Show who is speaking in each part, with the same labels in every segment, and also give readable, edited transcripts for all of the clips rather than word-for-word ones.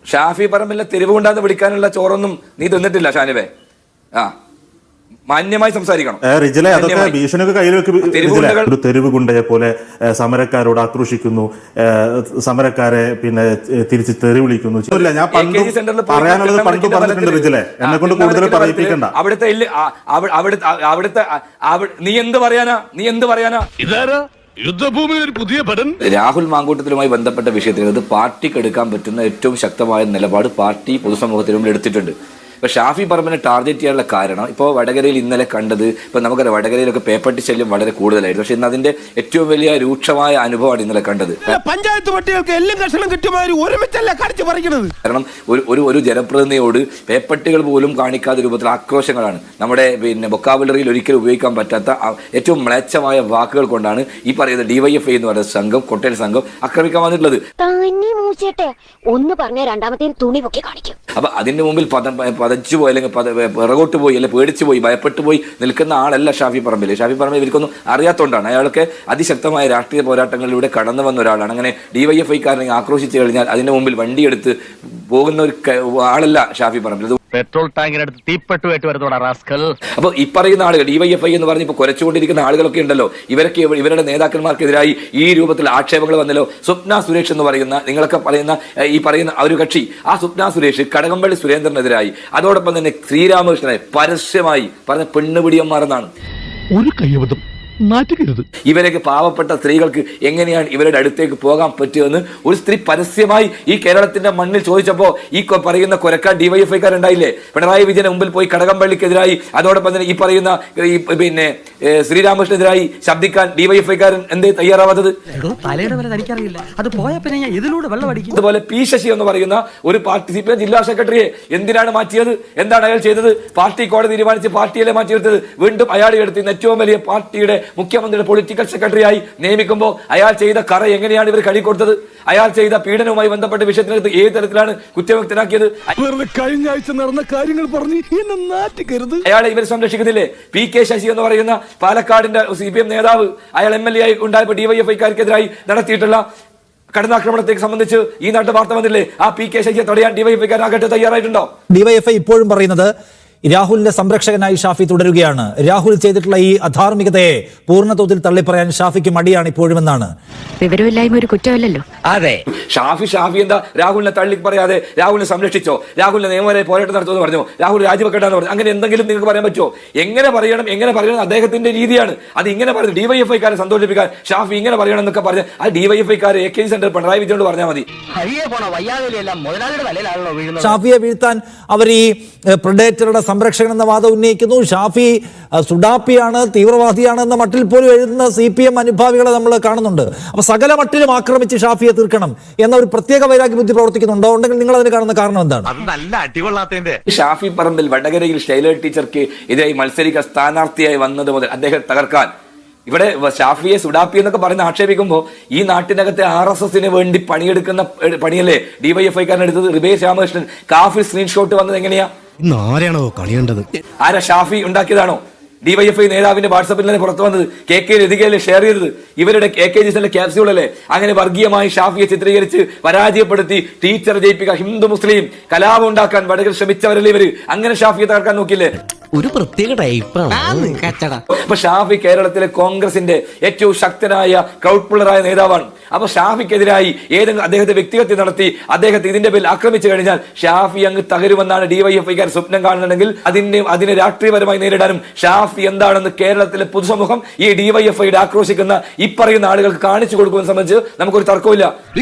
Speaker 1: ഷാഫി പറമ്പിലെ തെരുവ് കൊണ്ടാന്ന് വിളിക്കാനുള്ള ചോറൊന്നും നീ തിന്നിട്ടില്ല ഷാനിബേ. ആ മാന്യമായി സംസാരിക്കണം.
Speaker 2: റിജിലെ അതൊക്കെ ഭീഷണിയൊക്കെ കയ്യിൽ വെക്കും. ഒരു തെരുവ് ഗുണ്ടയെ പോലെ സമരക്കാരോട് ആക്രോശിക്കുന്നു, സമരക്കാരെ പിന്നെ തിരിച്ച് തെറി വിളിക്കുന്നു. ഞാൻ പറയാനുള്ളത് പണ്ട് പറഞ്ഞിട്ടുണ്ട് റിജിലെ, എന്നെ കൊണ്ട് കൂടുതൽ പറയിപ്പിക്കണ്ട.
Speaker 1: അവിടുത്തെ നീ എന്ത് പറയാനാ
Speaker 3: യുദ്ധഭൂമിയിൽ ഒരു പുതിയ പഠനം.
Speaker 1: രാഹുൽ മാങ്കൂട്ടത്തിലുമായി ബന്ധപ്പെട്ട വിഷയത്തിൽ അത് പാർട്ടിക്ക് എടുക്കാൻ പറ്റുന്ന ഏറ്റവും ശക്തമായ നിലപാട് പാർട്ടി പൊതുസമൂഹത്തിന് മുമ്പിൽ എടുത്തിട്ടുണ്ട്. ഇപ്പോൾ ഷാഫി പറമ്പിനെ ടാർഗറ്റ് ചെയ്യാനുള്ള കാരണം ഇപ്പോൾ വടകരയിൽ ഇന്നലെ കണ്ടത്, ഇപ്പോൾ നമുക്കറിയാം വടകരയിലൊക്കെ പേപ്പട്ടി ശല്യം വളരെ കൂടുതലായിരുന്നു. പക്ഷെ ഇന്ന് അതിന്റെ ഏറ്റവും വലിയ രൂക്ഷമായ അനുഭവമാണ് ഇന്നലെ കണ്ടത്.
Speaker 3: പഞ്ചായത്ത് പട്ടികൾക്ക് എല്ലാം കർഷണം കിട്ടുമാതിരി ഒരുമിച്ചല്ല കടിച്ചു പറിക്കുന്നത്.
Speaker 1: കാരണം ഒരു ജനപ്രതിനിധിയോട് പേപ്പട്ടികൾ പോലും കാണിക്കാത്ത രൂപത്തിൽ ആക്രോശങ്ങളാണ്. നമ്മുടെ പിന്നെ വൊക്കാബുലറിയിൽ ഒരിക്കലും ഉപയോഗിക്കാൻ പറ്റാത്ത ഏറ്റവും മ്ലേച്ഛമായ വാക്കുകൾ കൊണ്ടാണ് ഈ പറയുന്ന DYFI എന്ന് പറയുന്ന സംഘം, കൊട്ടേൽ സംഘം ആക്രമിക്കാൻ വന്നിട്ടുള്ളത്. അപ്പൊ അതിന്റെ മുമ്പിൽ പതച്ചു പോയി, അല്ലെങ്കിൽ പിറകോട്ട് പോയി, അല്ലെങ്കിൽ പേടിച്ചു പോയി, ഭയപ്പെട്ടു പോയി നിൽക്കുന്ന ആളല്ല ഷാഫി പറമ്പിൽ. ഷാഫി പറമ്പിൽ ഇവർക്കൊന്നും അറിയാത്തതുകൊണ്ടാണ്. അയാൾക്ക് അതിശക്തമായ രാഷ്ട്രീയ പോരാട്ടങ്ങളിലൂടെ കടന്നു വന്ന ഒരാളാണ്. അങ്ങനെ DYFI-കാരനെ ആക്രോശിച്ചു കഴിഞ്ഞാൽ അതിന്റെ മുമ്പിൽ വണ്ടിയെടുത്ത് പോകുന്ന ഒരു ആളല്ല ഷാഫി പറമ്പിൽ.
Speaker 4: പെട്രോൾ ടാങ്കിനടുത്ത് തീപ്പെട്ടുമായിട്ട് വരുന്നോടാ റാസ്കൽ.
Speaker 1: അപ്പോൾ ഈ പറയുന്ന ആളുകൾ DYFI എന്ന് പറഞ്ഞ് ഇപ്പോൾ കുരച്ചുകൊണ്ടിരിക്കുന്ന ആളുകളൊക്കെ ഉണ്ടല്ലോ, ഇവരുടെ നേതാക്കന്മാർക്കെതിരായി ഈ രൂപത്തിൽ ആക്ഷേപങ്ങൾ വന്നല്ലോ. സ്വപ്ന സുരേഷ് എന്ന് പറയുന്ന, നിങ്ങളൊക്കെ പറയുന്ന ഈ പറയുന്ന ഒരു കക്ഷി, ആ സ്വപ്ന സുരേഷ് കടകംപള്ളി സുരേന്ദ്രനെതിരായി, അതോടൊപ്പം തന്നെ ശ്രീരാമകൃഷ്ണനെ പരസ്യമായി പറഞ്ഞ പെണ്ണുപിടിയന്മാരെന്നാണ്.
Speaker 3: ഒരു കയ്യബദ്ധം നാറ്റുകരുത്.
Speaker 1: ഇവരൊക്കെ പാവപ്പെട്ട സ്ത്രീകൾക്ക് എങ്ങനെയാണ് ഇവരുടെ അടുത്തേക്ക് പോകാൻ പറ്റുമെന്ന് ഒരു സ്ത്രീ പരസ്യമായി ഈ കേരളത്തിന്റെ മണ്ണിൽ ചോദിച്ചപ്പോൾ ഈ പറയുന്ന കൊരക്കാൻ DYFI-കാരുണ്ടായില്ലേ? പിണറായി വിജയന് മുമ്പിൽ പോയി കടകംപള്ളിക്കെതിരായി, അതോടൊപ്പം തന്നെ ഈ പറയുന്ന പിന്നെ ശ്രീരാമകൃഷ്ണനെതിരായി ശബ്ദിക്കാൻ DYFI-കാരൻ എന്തേ തയ്യാറാവാത്തത്? അതുപോലെ P. ശശി എന്ന് പറയുന്ന ഒരു പാർട്ടി CPM ജില്ലാ സെക്രട്ടറിയെ എന്തിനാണ് മാറ്റിയത്? എന്താണ് അയാൾ ചെയ്തത്? പാർട്ടി കോടതി തീരുമാനിച്ച് പാർട്ടിയിലെ മാറ്റിയെടുത്തത്. വീണ്ടും അയാളെ എടുത്ത് ഏറ്റവും വലിയ പാർട്ടിയുടെ മുഖ്യമന്ത്രിയുടെ പൊളിറ്റിക്കൽ സെക്രട്ടറിയായി നിയമിക്കുമ്പോൾ അയാൾ ചെയ്ത കറ എങ്ങനെയാണ് ഇവർ കഴി കൊടുത്തത്? അയാൾ ചെയ്ത പീഡനവുമായി ബന്ധപ്പെട്ട വിഷയത്തിനകത്ത് ഏത് തരത്തിലാണ് കുറ്റവിമുക്തനാക്കിയത്?
Speaker 3: കഴിഞ്ഞ ആഴ്ച നടന്ന കാര്യങ്ങൾ പറഞ്ഞ്
Speaker 1: അയാളെ ഇവർ സംരക്ഷിക്കുന്നില്ലേ? P. ശശി എന്ന് പറയുന്ന പാലക്കാടിന്റെ CPM നേതാവ്, അയാൾ MLA ആയി ഉണ്ടായപ്പോൾ DYFI-കാർക്കെതിരായി നടത്തിയിട്ടുള്ള കടന്നാക്രമണത്തെ സംബന്ധിച്ച് ഈ നാട്ടു വാർത്ത വന്നില്ലേ? ആ P. ശശിയെ തടയാൻ DYFI-കാരാകട്ടെ തയ്യാറായിട്ടുണ്ടോ?
Speaker 5: DYFI ഇപ്പോഴും പറയുന്നത് രാഹുലിന്റെ സംരക്ഷകനായി ഷാഫി തുടരുകയാണ്. രാഹുൽ ചെയ്തിട്ടുള്ള ഈ അധാർമികതയെ പൂർണ്ണതോതിൽ തള്ളിപ്പറയാൻ ഷാഫിക്ക് മടിയാണ് ഇപ്പോഴുമെന്നാണ്.
Speaker 6: വിവരമില്ലായ്മ ഒരു കുറ്റമല്ലല്ലോ.
Speaker 1: അതെ, ഷാഫി എന്താ രാഹുലിനെ തള്ളി പറയാതെ രാഹുലിനെ സംരക്ഷിച്ചോ, രാഹുലിനെ നിയമപരമായ പോരാട്ടം നടത്തുമെന്ന് പറഞ്ഞു, രാഹുൽ രാജിവെക്കണ്ടെന്ന് പറഞ്ഞു, അങ്ങനെ എന്തെങ്കിലും നിങ്ങൾക്ക് പറയാൻ പറ്റുമോ? എങ്ങനെ പറയണം അദ്ദേഹത്തിന്റെ രീതിയാണ് അത്. ഇങ്ങനെ പറഞ്ഞു DYFI-കാരെ സന്തോഷിപ്പിക്കാൻ ഷാഫി ഇങ്ങനെ പറയണം എന്നൊക്കെ പറഞ്ഞ് ആ DYFI-കാരെ AKG സെന്റർ പിണറായി വിജയനോട് പറഞ്ഞാൽ മതി.
Speaker 5: ഷാഫിയെ വീഴ്ത്താൻ അവർ ഈ പ്രെഡേറ്ററുടെ സംരക്ഷകൻ എന്ന വാദം ഉന്നയിക്കുന്നു. ഷാഫി സുഡാപ്പിയാണ്, തീവ്രവാദിയാണ് എന്ന മട്ടിൽ പോലും എഴുതുന്ന CPM അനുഭാവികളെ നമ്മൾ കാണുന്നുണ്ട്. അപ്പൊ സകല മട്ടിലും ആക്രമിച്ച് ഷാഫിയെ തീർക്കണം എന്ന ഒരു പ്രത്യേക വൈരാഗ്യ ബുദ്ധി പ്രവർത്തിക്കുന്നുണ്ടോ? ഉണ്ടെങ്കിൽ നിങ്ങൾ അതിന് കാണുന്ന കാരണം എന്താണ്?
Speaker 1: ഷാഫി പറമ്പിൽ വടകരയിൽ ഷൈല ടീച്ചർക്ക് എതിരായി മത്സരിക്കാൻ സ്ഥാനാർത്ഥിയായി വന്നത് മുതൽ അദ്ദേഹം തകർക്കാൻ ഇവിടെ ഷാഫിയെ സുഡാപ്പി എന്നൊക്കെ പറഞ്ഞ് ആക്ഷേപിക്കുമ്പോൾ ഈ നാട്ടിനകത്തെ RSSന് വേണ്ടി പണിയെടുക്കുന്ന പണിയല്ലേ DYFI-കാരൻ എടുത്തത്? റിബേഷ് രാമകൃഷ്ണൻ കാഫിൽ സ്ക്രീൻഷോട്ട് വന്നത് എങ്ങനെയാ? ആരാ? ഷാഫി ഉണ്ടാക്കിയതാണോ? DYFI നേതാവിന്റെ വാട്സാപ്പിൽ തന്നെ പുറത്തു വന്നത് KK ലതികയിലെ ഷെയർ ചെയ്തത് ഇവരുടെ AKG സെന്റർ ക്യാപ്സ്യൂൾ അല്ലേ? അങ്ങനെ വർഗീയമായി ഷാഫിയെ ചിത്രീകരിച്ച് പരാജയപ്പെടുത്തി ടീച്ചർ ജയിപ്പിക്കാൻ, ഹിന്ദു മുസ്ലിം കലാപം ഉണ്ടാക്കാൻ വടകര ശ്രമിച്ചവരല്ലേ ഇവര്? അങ്ങനെ ഷാഫിയെ തകർക്കാൻ നോക്കില്ലേ?
Speaker 7: ഒരു പ്രത്യേക ടൈപ്പാണ്.
Speaker 1: അപ്പൊ ഷാഫി കേരളത്തിലെ കോൺഗ്രസിന്റെ ഏറ്റവും ശക്തനായ ക്രൗഡ് പുള്ളറായ നേതാവാണ്. അപ്പൊ ഷാഫിക്കെതിരായി ഏതെങ്കിലും അദ്ദേഹത്തെ വ്യക്തിഹത്യ നടത്തി അദ്ദേഹത്തെ ഇതിന്റെ പേരിൽ ആക്രമിച്ചു കഴിഞ്ഞാൽ ഷാഫി അങ്ങ് തകരുമെന്നാണ് DYFI-കാർ സ്വപ്നം കാണുന്നുണ്ടെങ്കിൽ അതിനെ രാഷ്ട്രീയപരമായി നേരിടാനും ഷാഫി എന്താണെന്ന് കേരളത്തിലെ പൊതുസമൂഹം ഈ DYFI-യുടെ ആക്രോശിക്കുന്ന ഈ പറയുന്ന ആളുകൾക്ക് കാണിച്ചു കൊടുക്കുമെന്ന് സംബന്ധിച്ച് നമുക്കൊരു തർക്കമില്ല.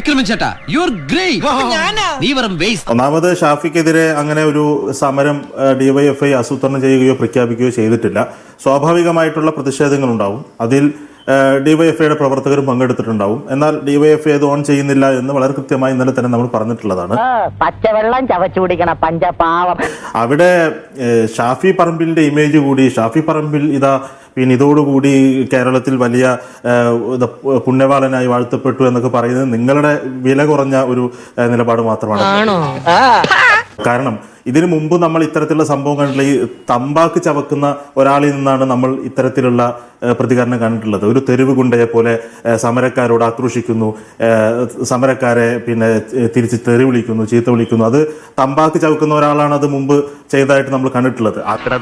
Speaker 2: ഒന്നാമത് ഷാഫിക്കെതിരെ അങ്ങനെ ഒരു സമരം DYFI ആസൂത്രണം ചെയ്യുകയോ പ്രഖ്യാപിക്കുകയോ ചെയ്തിട്ടില്ല. സ്വാഭാവികമായിട്ടുള്ള പ്രതിഷേധങ്ങൾ ഉണ്ടാവും. അതിൽ DYFI-യുടെ പ്രവർത്തകരും പങ്കെടുത്തിട്ടുണ്ടാവും. എന്നാൽ DYFI അത് ഓൺ ചെയ്യുന്നില്ല എന്ന് വളരെ കൃത്യമായി ഇന്നലെ തന്നെ നമ്മൾ പറഞ്ഞിട്ടുള്ളതാണ്.
Speaker 8: പച്ചവെള്ളം ചവച്ചു കുടിക്കണ പഞ്ചപാവം.
Speaker 2: അവിടെ ഷാഫി പറമ്പിലിന്റെ ഇമേജ് കൂടി, ഷാഫി പറമ്പിൽ ഇതാ പിന്നെ ഇതോടുകൂടി കേരളത്തിൽ വലിയ പുണ്യവാളനായി വാഴ്ത്തപ്പെട്ടു എന്നൊക്കെ പറയുന്നത് നിങ്ങളുടെ വില കുറഞ്ഞ ഒരു നിലപാട് മാത്രമാണ്. കാരണം ഇതിനു മുമ്പ് നമ്മൾ ഇത്തരത്തിലുള്ള സംഭവം കണ്ടിട്ടുള്ള ഈ തമ്പാക്ക് ചവക്കുന്ന ഒരാളിൽ നിന്നാണ് നമ്മൾ ഇത്തരത്തിലുള്ള പ്രതികരണം കണ്ടിട്ടുള്ളത്. ഒരു തെരുവ് ഗുണ്ടയെ പോലെ സമരക്കാരോട് ആക്രോശിക്കുന്നു, സമരക്കാരെ പിന്നെ തിരിച്ച് തെറി വിളിക്കുന്നു, ചീത്ത വിളിക്കുന്നു. അത് തമ്പാക്ക് ചവക്കുന്ന ഒരാളാണ് അത് മുമ്പ് ചെയ്തതായിട്ട് നമ്മൾ കണ്ടിട്ടുള്ളത്.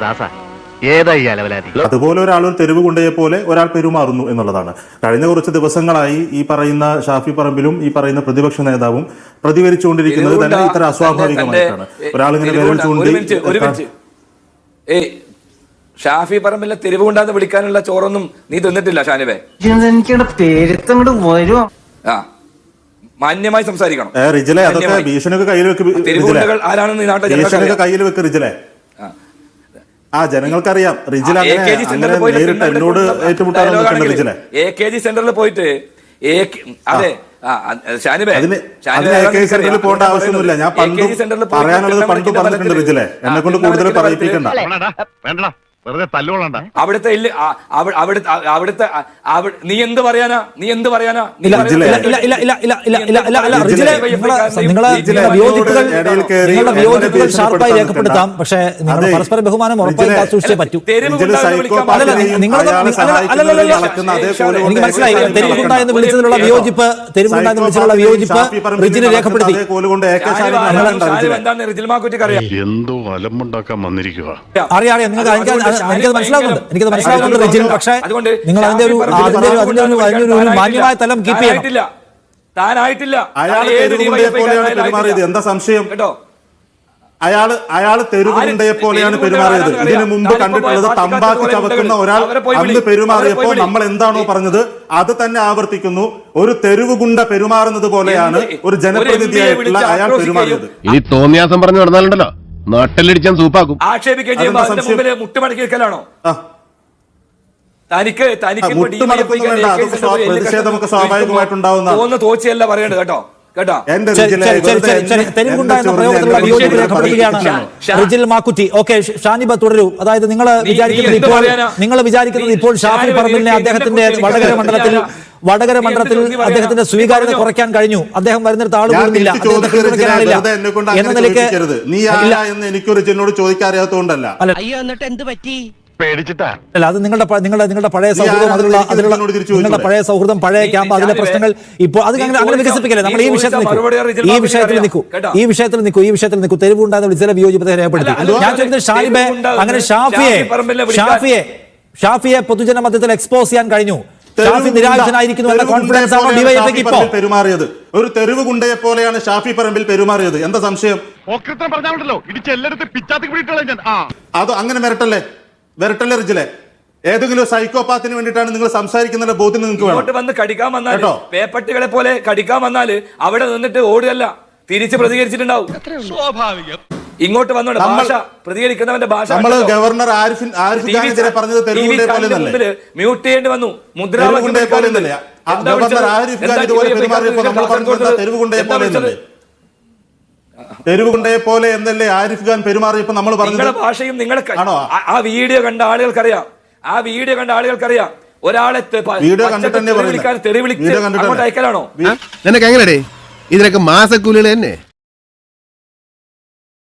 Speaker 2: അതുപോലെ ഒരാൾ ഒരു തെരുവ് ഗുണ്ടയെ പോലെ ഒരാൾ പെരുമാറുന്നു എന്നുള്ളതാണ്. കഴിഞ്ഞ കുറച്ച് ദിവസങ്ങളായി ഈ പറയുന്ന ഷാഫി പറമ്പിലും ഈ പറയുന്ന പ്രതിപക്ഷ നേതാവും പ്രതികരിച്ചുകൊണ്ടിരിക്കുന്നത് തന്നെ ഇത്ര അസ്വാഭാവികമായിട്ടാണ്. ഒരാളിങ്ങനെ
Speaker 1: ഷാഫി പറമ്പിലെ തെരുവ് കൊണ്ടാന്ന് വിളിക്കാനുള്ള ചോറൊന്നും നീ തിന്നിട്ടില്ല ഷാനിബേ. മാന്യമായി സംസാരിക്കണം.
Speaker 2: റിജിലെ അതൊക്കെ ഭീഷണിയൊക്കെ കയ്യിൽ വെക്ക്.
Speaker 1: ആരാണെന്ന്
Speaker 2: ഭീഷണിയൊക്കെ കയ്യിൽ വെക്ക് റിജിലെ. ജനങ്ങൾക്കറിയാം റിജിൽ നേരിട്ട് എന്നോട് ഏറ്റുമുട്ടാൻ റിജിലെ.
Speaker 1: AKG സെന്ററിൽ പോയിട്ട് അതെ
Speaker 2: സെന്ററിൽ പോകേണ്ട ആവശ്യമൊന്നുമില്ല. ഞാൻ പറയാനുള്ളത് പണ്ട് പറഞ്ഞിട്ടുണ്ട് റിജിലെ. എന്നെ കൊണ്ട് കൂടുതൽ പറയിപ്പിക്കണ്ട.
Speaker 1: അവിടുത്തെ നീ എന്ത് പറയാനാ
Speaker 5: വിയോജിപ്പുകൾ ഷാർപ്പായി രേഖപ്പെടുത്താം. പക്ഷേ നിങ്ങൾ പരസ്പര ബഹുമാനം ഉറപ്പായി സൂക്ഷിച്ചേ പറ്റൂ. എനിക്ക് മനസ്സിലായി. തെരുവുണ്ട എന്ന് വിളിച്ചതിലുള്ള വിയോജിപ്പ് റിജിന് രേഖപ്പെടുത്തി.
Speaker 9: എന്തോ അലമ്പുണ്ടാക്കാൻ വന്നിരിക്കുക.
Speaker 5: അറിയാം എനിക്കത് മനസ്സിലാവുന്നുണ്ട് റിജിൻ. പക്ഷേ നിങ്ങൾ അതിന്റെ ഒരു മാന്യമായ തലം കീപ്പ് ചെയ്യണം.
Speaker 2: എന്താ സംശയം കേട്ടോ? അയാള് തെരുവുണ്ടയെ പോലെയാണ് പെരുമാറിയത്. ഇതിനു മുമ്പ് കണ്ടിട്ടുള്ളത് തമ്പാക്ക് ചവക്കുന്ന ഒരാൾ അന്ന് പെരുമാറിയപ്പോൾ നമ്മൾ എന്താണോ പറഞ്ഞത് അത് തന്നെ ആവർത്തിക്കുന്നു. ഒരു തെരുവ് ഗുണ്ട പെരുമാറുന്നത് പോലെയാണ് ഒരു ജനപ്രതിനിധിയായിട്ടുള്ള അയാൾ പെരുമാറിയത്.
Speaker 9: ഇനി തോന്നിയാസം പറഞ്ഞു നടന്നാലുണ്ടല്ലോ നാട്ടിലടിച്ചാൻ സൂപ്പാക്കും.
Speaker 1: ആക്ഷേപിക്കുകയും ചെയ്യുമ്പോൾ അതിന്റെ മുമ്പിൽ മുട്ടുമടക്കി വെക്കലാണോ?
Speaker 2: പ്രതിഷേധമൊക്കെ സ്വാഭാവികമായിട്ടുണ്ടാവുന്ന
Speaker 5: തോച്ചയല്ല പറയേണ്ടത് കേട്ടോ. റിജിൽ മാക്കുറ്റി. ഓക്കെ, ഷാനിബ തുടരൂ. അതായത് നിങ്ങൾ വിചാരിക്കുന്നത് ഇപ്പോൾ ഷാഫി പറമ്പിലിനെ അദ്ദേഹത്തിന്റെ വടകര മണ്ഡലത്തിൽ അദ്ദേഹത്തിന്റെ സ്വീകാര്യത കുറയ്ക്കാൻ കഴിഞ്ഞു. അദ്ദേഹം വരുന്നിടത്ത് ആൾ കൂടുന്നില്ല എന്ന നിലയ്ക്ക്
Speaker 2: എനിക്കൊരു എന്നോട് ചോദിക്കാൻ അറിയാത്തതുകൊണ്ടല്ല.
Speaker 5: അല്ല, അത് നിങ്ങളുടെ പഴയ സൗഹൃദം, നിങ്ങളുടെ പഴയ സൗഹൃദം, പഴയ ക്യാമ്പ്, അതിലെ പ്രശ്നങ്ങൾ ഇപ്പോൾ അത് അങ്ങനെ വികസിപ്പിക്കല്ലേ. നമ്മൾ ഈ വിഷയത്തിൽ നിൽക്കൂ. തെരുവുണ്ടാകുന്ന വിളിച്ച വിയോജിപ്പത രേഖപ്പെടുത്തി. ഞാൻ ചോദിക്കുന്നത് ഷാനിബെ, അങ്ങനെ ഷാഫിയെ പൊതുജന മധ്യത്തിൽ എക്സ്പോസ് ചെയ്യാൻ കഴിഞ്ഞു. ഷാഫി നിരാശനായിരിക്കുന്നു എന്ന കോൺഫിഡൻസ് ആണോ ഡിവൈഎഫ്ഐക്ക് ഇപ്പോൾ
Speaker 2: പെരുമാറിയത്? ഒരു തെരുവ് ഗുണ്ടയെ പോലെയാണ് ഷാഫി പറമ്പിൽ പെരുമാറിയത്. എന്താ സംശയം? അത് അങ്ങനെ വരട്ടല്ലേ റിജിലെ. ഏതെങ്കിലും സൈക്കോപാത്തിന് വേണ്ടിയിട്ടാണ് നിങ്ങൾ സംസാരിക്കുന്ന ബോധ്യം നിങ്ങൾക്ക് വേണം.
Speaker 1: വന്ന് കടിക്കാൻ വന്നാൽ, പേപ്പട്ടികളെ പോലെ കടിക്കാൻ വന്നാല് അവിടെ നിന്നിട്ട് ഓടുകയല്ല, തിരിച്ച് പ്രതികരിച്ചിട്ടുണ്ടാവും. സ്വാഭാവികം. ഇങ്ങോട്ട് വന്നോണ്ട് ഭാഷ പ്രതികരിക്കുന്നവന്റെ ഭാഷ.
Speaker 2: നമ്മൾ ഗവർണർ ആരിഫ് ഖാനെതിരെ പറഞ്ഞത് തെരുവുണ്ടയെ പോലെ
Speaker 1: മ്യൂട്ട് ചെയ്യേണ്ടി വന്നു.
Speaker 2: മുദ്രാവാക്യം പോലെ ഗവർണർ ആരിഫ് ഖാൻ ഇതുപോലെ പെരുമാറിയപ്പോൾ നമ്മൾ പറഞ്ഞത് തെരുവുണ്ടയെ പോലെ എന്നല്ലേ? തെരുവുണ്ടയെ പോലെ എന്നല്ലേ ആരിഫ് ഖാൻ പെരുമാറിയപ്പോൾ നമ്മൾ പറഞ്ഞത്?
Speaker 1: നിങ്ങളുടെ ഭാഷയും ആ വീഡിയോ കണ്ട ആളുകൾക്കറിയാം. ഒരാളെ തെറി വിളിക്കാൻ അയക്കലാണോ?
Speaker 3: നിനക്ക് എങ്ങനെയാ ഇതിനൊക്കെ മാസക്കൂലികൾ തന്നെ?